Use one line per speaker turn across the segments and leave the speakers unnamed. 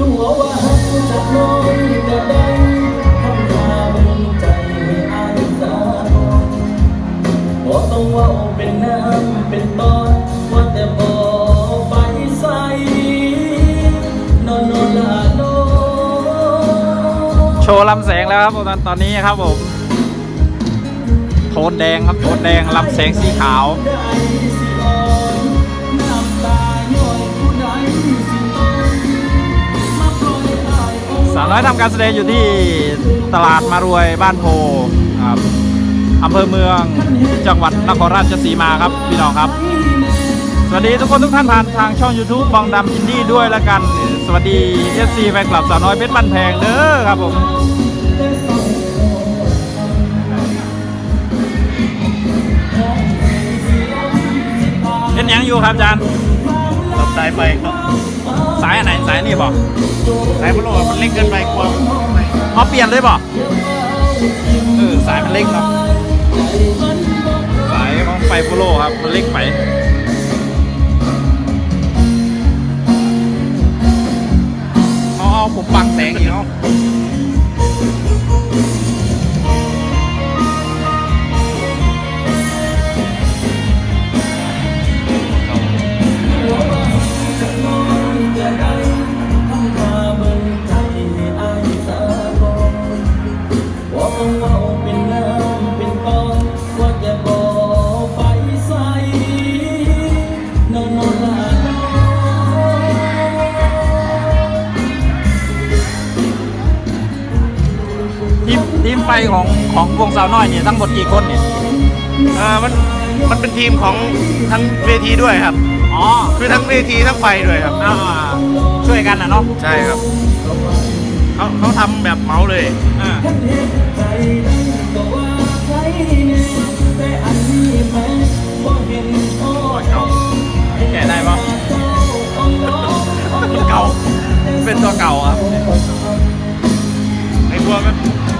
ตัวว่าหักจากน้องก็ได้ทำท่าเป็นใจให้อายสาบ่ต้องว่าเป็นน้ำเป็นตอนว่าแต่บ่ไปใส่นอนนอนละนอน
โชว์ลำแสงแล้วครับตอนนี้ครับผมโทนแดงครับโทนแดงลำแสงสีขาวสาวน้อยทำการแสดงอยู่ที่ตลาดมารวยบ้านโพครับอำเภอเมืองจังหวัดนครราชสีมาครับพี่น้องครับสวัสดีทุกคนทุกท่านผ่านทางช่อง YouTube บองดำอินดี้ด้วยแล้วกันสวัสดี FC แฟนคลับสาวน้อยเพชรบ้านแพงเด้อครับผมเป็นยังอยู่ครับอาจารย์
ตัดสายไฟครับ
สายอันไหนสายนี่บอก
สายพัดลมมันเล็กเกินไปกลัว
เอาเปลี่ยนเลยบอกสายมันเล็กเนาะสายของไฟโฟโลครับมันเล็กไปเอาผมบังแสงอีกเนาะทีมไฟของวงสาวน้อยเนี่ยทั้งหมดกี่คนเนี่ย
มันเป็นทีมของทั้งเวทีด้วยครับ
อ๋อ
คือทั้งเวทีทั้งไฟด้วยครับ
ช่วยกันนะเนาะ
ใช่ครับเขาทำแบบเมาเลย
แกะได้ปะเก่าเป็นตัวเก่าครับ
ไอ้พวกมัน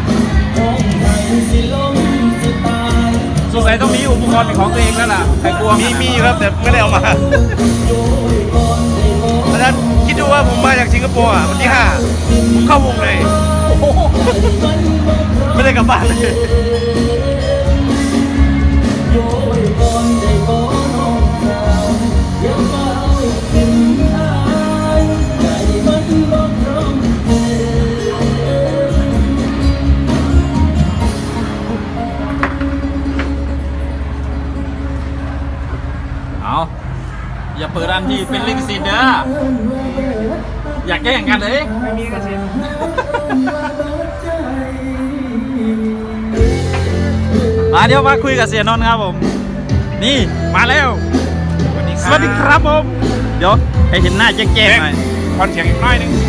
สงสัยต้องมีอุปกรณ์เป็นของตัวเองแล้วล่ะไอ้กลัว
มีครับแต่ไม่ได้เอามาอาจารย์คิดดูว่าผมมาจากสิงคโปร์วันที่5ผมเข้าวงเลยไม่ได้กลับบ้านเลย
อย่าเปิดอันที่เป็นลิขสิทธิ์เด้ออยากแย่งกันเลยไม่มีลิขสิทธิ์มาเดี๋ยวมาคุยกับเสียนนท์ครับผมนี่มาแล้วสวัสดีครับผมเดี๋ยวให้เห็นหน้าแจ้งๆหน่อย
คอนเสียงอีกน้อยนึง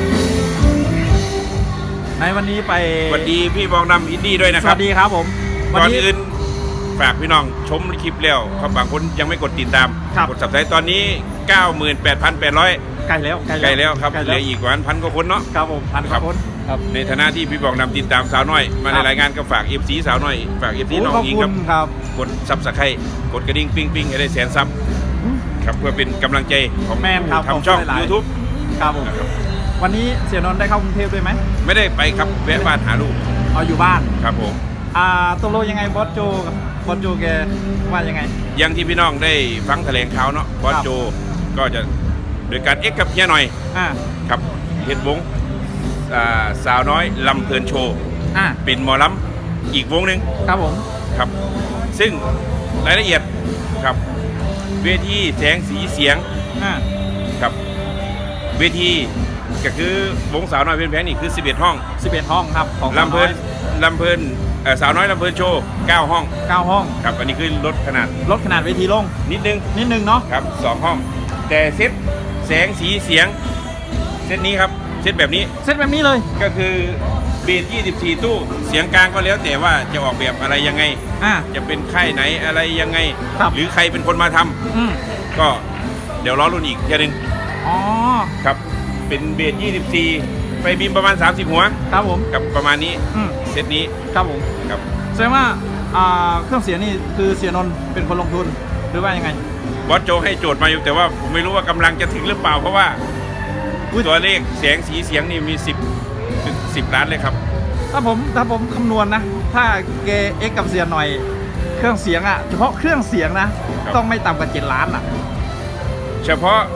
ในวันนี้ไป
สวัสดีพี่บองดำอินดี้ด้วยนะครับ
สวัสดีครับผม
ก่อนอื่นฝากพี่น้องชมคลิปแล้วเขาบางคนยังไม่กดติดตามกดสับสไครต์ตอนนี้ 98,800
ใกล้แล้ว
ครับเหลืออีกวันพันกว่าคนเนาะ
ครับผมพันกว่าคน
ครับในฐานะที่พี่บอกนำติดตามสาวน้อยมาในรายงานก็ฝาก FC สาวน้อยฝาก FC น้องอิง
ครับ
กดซับสไครต์กดกระดิ่งปิ้งให้ได้100,000 ซับครับเพื่อเป็นกำลังใจของทำช่อง YouTube
ครับผมวันนี้เสียนนท์ได้เข้ากรุงเทพด้วยไหม
ไม่ได้ไปครับแวะบ้านหาลูก
อยู่บ้าน
ครับผม
ตกลงยังไงบอสโจแกว่ายังไง
ยังที่พี่น้องได้ฟังแถลงข่าวเนาะบอสโจก็จะโดยการเอ็กกับเฮียหน่อยครับเฮ็ดวงสาวน้อยลำเพลินโชว์เป็นหมอลำอีกวงหนึ่ง
ครับผม
ครับซึ่งรายละเอียดครับเวทีแสงสีเสียงครับเวทีก็คือวงสาวน้อยเพลินแพงนี่คือ11 ห้อง
ครับของ
ลำเพลินสาวน้อยลำเพลินโชว์9 ห้องครับอันนี้คือลดขนาด
เวทีลง
นิดนึง
เนาะ
ครับ2 ห้องแต่เซตแสงสีเสียงเซตนี้ครับเซตแบบนี้
เลย
ก็คือเบส24 ตู้เสียงกลางก็แล้วแต่ว่าจะออกแบบอะไรยังไงจะเป็นค่ายไหนอะไรยังไงหรือใครเป็นคนมาทำก็เดี๋ยวรอรุ่นอีกทีนึงครับเป็นเบส24ไฟบีมประมาณ30 หัว
ครับผม
กับประมาณนี้เซตนี้
ครับผม
ครับ
แสดงว่าเครื่องเสียงนี่คือเสียนนท์เป็นคนลงทุนหรือว่ายังไง
บอสโจให้โจทย์มาอยู่แต่ว่าผมไม่รู้ว่ากำลังจะถึงหรือเปล่าเพราะว่าตัวเลขแสงสีเสียงนี่มี10 ล้านเลยครับ
ถ้าผมคำนวณนะ ถ้าเกเอ็กกับเสียหน่อยเครื่องเสียงอะเฉพาะเครื่องเสียงนะ ต้องไม่ต่ำกว่า7 ล้านอะ
เฉพาะ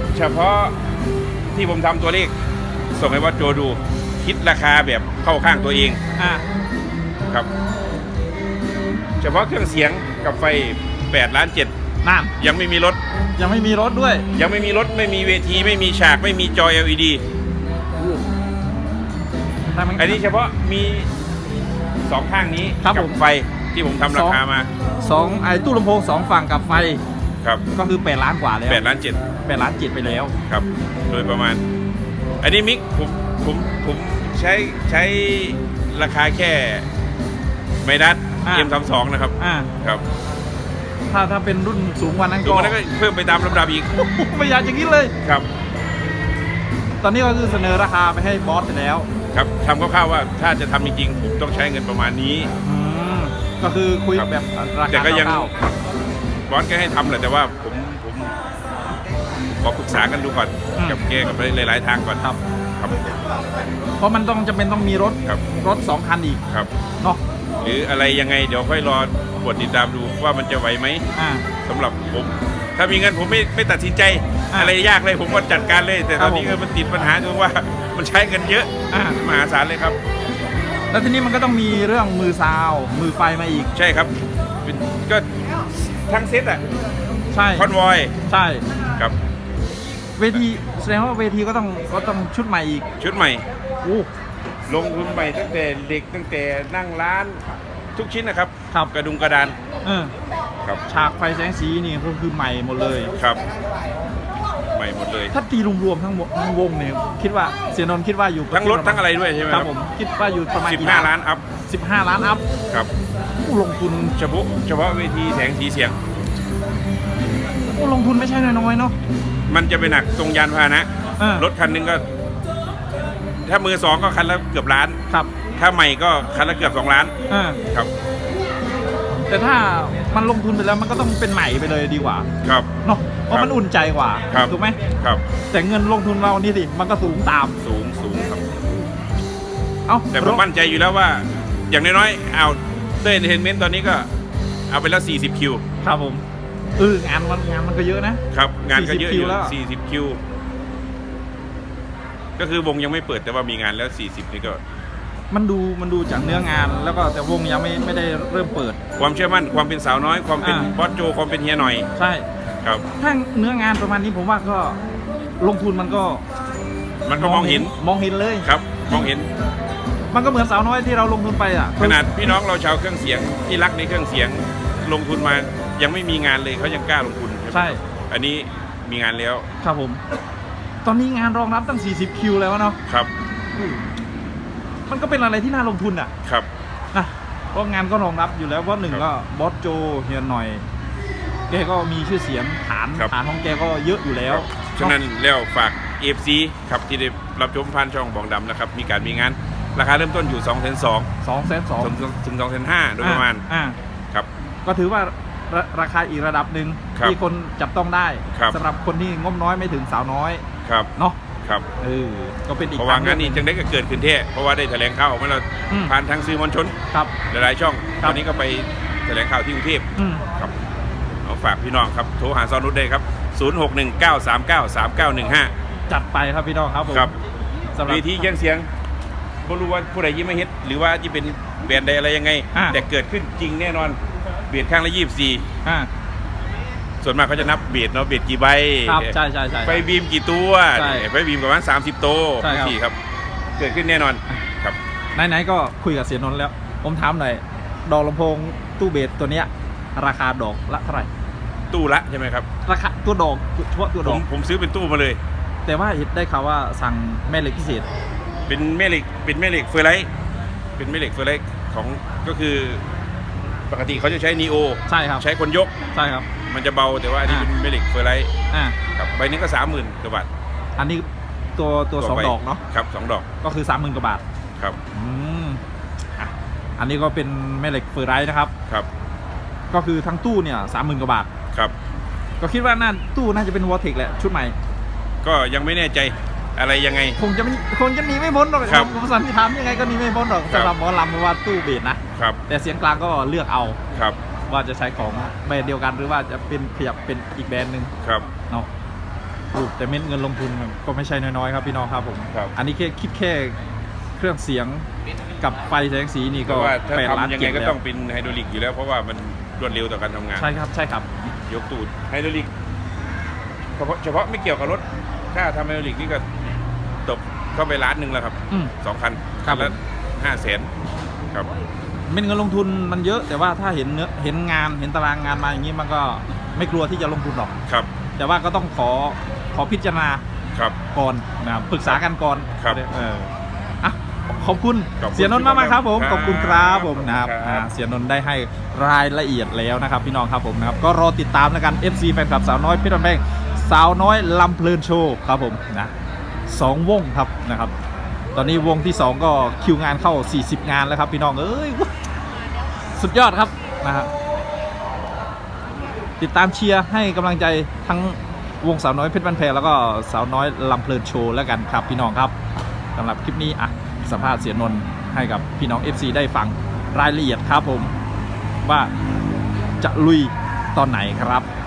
ที่ผมทำตัวเลขส่งให้บอสโจดูคิดราคาแบบเข้าข้างตัวเอง
อ่ะ
ครับ เฉพาะเครื่องเสียงกับไฟ8 ล้าน 7
นั่น
ยังไม่มีรถ
ยังไม่มีรถด้วย
ยังไม่มีรถไม่มีเวทีไม่มีฉากไม่มีจอ LED อันนี้เฉพาะมี2ข้างนี้
ครับ
กั
ผม
ไฟที่ผมทำราคามา
ไอ้ตู้ลำโพง2 ฝั่งกับไฟ
ครับ
ก็คือ8 ล้านกว่าแล้ว
8 ล้าน
8 ล้าน7ไปแล้ว
7ครับ โดยประมาณ อันนี้มิกผมใช้ราคาแค่ไมดัส M32 นะครับ ครับ
ถ้าเป็นรุ่นสูงกว่านั้น
สูงกว่านั้นก็เพิ่มไปตามลำดับอีก
ไม่อยากอย่างนี้เลย
ครับ
ตอนนี้ก็คือเสนอราคาไปให้บอสไปแล้ว
ครับทำคร่าวๆว่าถ้าจะทำจริงๆผมต้องใช้เงินประมาณนี้
ก็คือคุย
ครับ
แบบราคา
แต่ก็ยัง
เท่า
บอสก็ให้ทำแหละแต่ว่าผมขอปรึกษากันดูก่อนกับแกกับหลายๆทางก่อน
ๆครับ
ครับ
เพราะมันต้องจำเป็นต้องมีรถ
ครับ
2 คันอีก
ครับ
เนาะ
หรืออะไรยังไงเดี๋ยวค่อยรอกดติดตามดูว่ามันจะไหวไหม
อ่า
สำหรับผม ถ้ามีเงินผมไม่ตัดสินใจ
อ่ะ
อะไรยากเลยผมก็จัดการเลย แต่ตอนนี้
ครับผม
มันติดปัญหาตรงว่ามันใช้เงินเยอะ
อ่า
มหาศาลเลยครับ
แล้วทีนี้มันก็ต้องมีเรื่องมือซาวด์มือไฟมาอีก
ใช่ครับก็ทั้งเซตอะ
ใช่
คอนวอย
ใช่
ครับ
เวทีแสดงว่าเวทีก็ต้องชุดใหม่อีก
ชุดใหม่
โอ้
ลงทุนใหม่ตั้งแต่เด็กตั้งแต่นั่งร้านทุกชิ้นนะครับ
ครับ
กระดุงกระดาน ครับ
ฉากไฟแสงสีนี่ก็คือใหม่หมดเลย
ครับใหม่หมดเลย
ถ้าตีรวมๆทั้งวงเนี่ยคิดว่าเสียนนท์คิดว่าอยู่
ทั้งรถทั้งอะไรด้วยใช่ไหม
ค
ค
รั
รั
บบ ผมคิดว่าอยู่ประมาณกี่
15 ล้านอัพ
15 ล้านอัพ
ครับ
ลงทุน
เฉพาะเวทีแสงสีเสียง
ลงทุนไม่ใช่น้อยๆเนาะ
มันจะไปหนักตรงยานพาหนะ รถคันหนึงก็ ถ้ามือสองก็คันละเกือบล้าน
ครับ
ถ้าใหม่ก็คันละเกือบ2 ล้าน ครับ
แต่ถ้ามันลงทุนไปแล้วมันก็ต้องเป็นใหม่ไปเลยดีกว่า
ครับ
เนาะเพราะมันอุ่นใจกว่า
ครับ
ถูกไหม
ครับ
แต่เงินลงทุนเรานี่สิมันก็สูงตาม
สูงครับ
เอ้า
แต่ผมมั่นใจอยู่แล้วว่า อย่างน้อยๆเอาเต้นเอนเตอร์เทนเมนต์ตอนนี้ก็เอาไปแล้ว40 คิว
ครับผมงานมันก็เยอะนะครับ
งานก็เยอะ
40 คิ
อ
ว
ยู่
แล้ว
40 คิว ก็คือวงยังไม่เปิดแต่ว่ามีงานแล้ว 40 นี่ก็
มันดูจากเนื้องานแล้วก็แต่วงยังไม่ได้เริ่มเปิด
ความเชื่อมั่นความเป็นสาวน้อยความเป็น
อ่า
บอสโจความเป็นเฮียหน่อย
ใช่
ครับ
ถ้าเนื้องานประมาณนี้ผมว่าก็ลงทุนมันก็
มันก็มองเห็น
เลย
ครับ มองเห็น
มันก็เหมือนสาวน้อยที่เราลงทุนไปอ่ะ
ขนาดพี่น้องเราชาวเครื่องเสียงที่รักในเครื่องเสียงลงทุนมายังไม่มีงานเลยเขายังกล้าลงทุน
ใช่
อันนี้มีงานแล้ว
ครับผม ตอนนี้งานรองรับตั้ง40 คิวแล้วเนาะ
ครับ
มันก็เป็นอะไรที่น่าลงทุนอ่ะ
ครับ
นะเพราะงานก็รองรับอยู่แล้วเพราะหนึ่งก็บอสโจเฮียหน่อยแกก็มีชื่อเสียงฐานของแกก็เยอะอยู่แล้ว
ฉะนั้นแล้วฝาก FC ครับที่ได้รับชมผ่านช่องบองดำนะครับมีการมีงานราคาเริ่มต้นอยู่ 2,200,000 ถึง 2,500,000โดยประมาณครับ
ก็ถือว่าราคาอีกระดับหนึ่ง
ครับ
ที่คนจับต้องได้
ครับ
สำหรับคนที่งบน้อยไม่ถึงสาวน้อย
ครับ
เนาะ
ครับ
ก็เป็นอีก
เพราะว่า
ท
งานนี้จังได้ก็เกิดขึ้นเท่เพราะว่าได้แถลงข่าวออกมาแล้ว
อืม
ผ่านทางสื่อมวลชน
ครับ
หลายๆช่อง
ครั
ต
บ
อนนี้ก็ไปแถลงข่าวที่กรุงเทพ
อืม
ครับเอาฝากพี่น้องครับโทรหาซอนุชได้ครับ 0619393915
จัดไปครับพี่น้องครับผม
ครับ
สำหรับ
เวทีเครื่องเสียงไม่รู้ว่าผู้ใดยิ้มไม่เฮ็ดหรือว่าจะเป็นแบรนด์ใดอะไรยังไง แต่เกิดขึ้นจริงแน่นอนเบียดข้างละ24
อ่า
ส่วนมากเขาจะนับเบียดเนาะเบียดกี่ใบ
ครับใช่
ไฟบีมกี่ตัว
ใช่
ไฟบีมประมาณ30 โต
ใช่ครับ
สี่ครับ เกิดขึ้นแน่นอนครับ
ไหนๆก็คุยกับเสียนนท์แล้ว ผมถามหน่อยดอกลำโพงตู้เบสตัวเนี้ยราคาดอกละเท่าไหร่
ตู้ละใช่ไหมครับ
ราคาตัวดอกเฉพาะตัวดอก
ผมซื้อเป็นตู้มาเลย
แต่ว่าเห็นได้ข่าวว่าสั่งแม่เหล็กพิเศษ
เป็นแม่เหล็กเฟอร์ไลท์เป็นแม่เหล็กเฟอร์ไลท์ของก็คือปกติเขาจะใช้นีโอ
ใช่ครับ
ใช้คนยก
ใช่ครับ
มันจะเบาแต่ว่าอันนี้เป็นแม่เหล็กเฟอร์ไลท์
อ่า
ครับใบนี้ก็ 30,000 กว่าบาท
อันนี้ตัวสอง
ใบ
ดอกเนาะ
ครับ2 ดอก
ก็คือ 30,000 กว่าบาท
ครับ
อ่ะอันนี้ก็เป็นแม่เหล็กเฟอร์ไรท์นะครับ
ครับ
ก็คือทั้งตู้เนี่ย 30,000 กว่าบาท
ครับ
ก็คิดว่าตู้น่าจะเป็นวอเทคแหละชุดใหม่
ก็ยังไม่แน่ใจอะไรยังไง
คงจะหนีไม่พ้นหรอกครับผมสันนิษฐานยังไงก็หนีไม่พ้นหรอกสำหรับหมอลำเพราะว่าตู้เบสนะครับแต่เสียงกลางก็เลือกเอา
ครับ
ว่าจะใช้ของแบรนด์เดียวกันหรือว่าจะเป็นขยับเป็นอีกแบรนด์หนึ่ง
ครับ
เนาะแต่เม็ดเงินลงทุนก็ไม่ใช่น้อยๆครับพี่น้องครับผมอันนี้คิดแค่เครื่องเสียงกับไฟแสงสีนี่ก็
8 ล้านยังไงก็ต้องเป็นไฮดรอลิกอยู่แล้วเพราะว่ามันรวดเร็วต่อการทำงาน
ใช่ครับ
ยกตูดไฮดรอลิกเฉพาะไม่เกี่ยวกับรถถ้าทำไฮดรอลิกนี่ก็ตกเข้าไป1 ล้านแล้วครับ2 คันละ500,000ครับ
เม็ดเงินลงทุนมันเยอะแต่ว่าถ้าเห็นงานเห็นตารางงานมาอย่างนี้มันก็ไม่กลัวที่จะลงทุนหรอก
ครับ
แต่ว่าก็ต้องขอพิจารณาก่อนนะครับปรึกษากันก่อน
ครับ
ขอบคุณเสียนนท์มากๆครับผมขอบคุณครับผมนะครับเสียนนท์ได้ให้รายละเอียดแล้วนะครับพี่น้องครับผมนะครับก็รอติดตามแล้วกัน FC แฟนคลับสาวน้อยเพชรบ้านแพงสาวน้อยลำเพลินโชว์ครับผมนะ2 วงครับนะครับตอนนี้วงที่2ก็คิวงานเข้า40 งานแล้วครับพี่น้องเอ้ยสุดยอดครับนะครับติดตามเชียร์ให้กำลังใจทั้งวงสาวน้อยเพชรบ้านแพงแล้วก็สาวน้อยลำเพลินโชว์แล้วกันครับพี่น้องครับสำหรับคลิปนี้สัมภาษณ์เสียนนท์ให้กับพี่น้อง FC ได้ฟังรายละเอียดครับผมว่าจะลุยตอนไหนครับ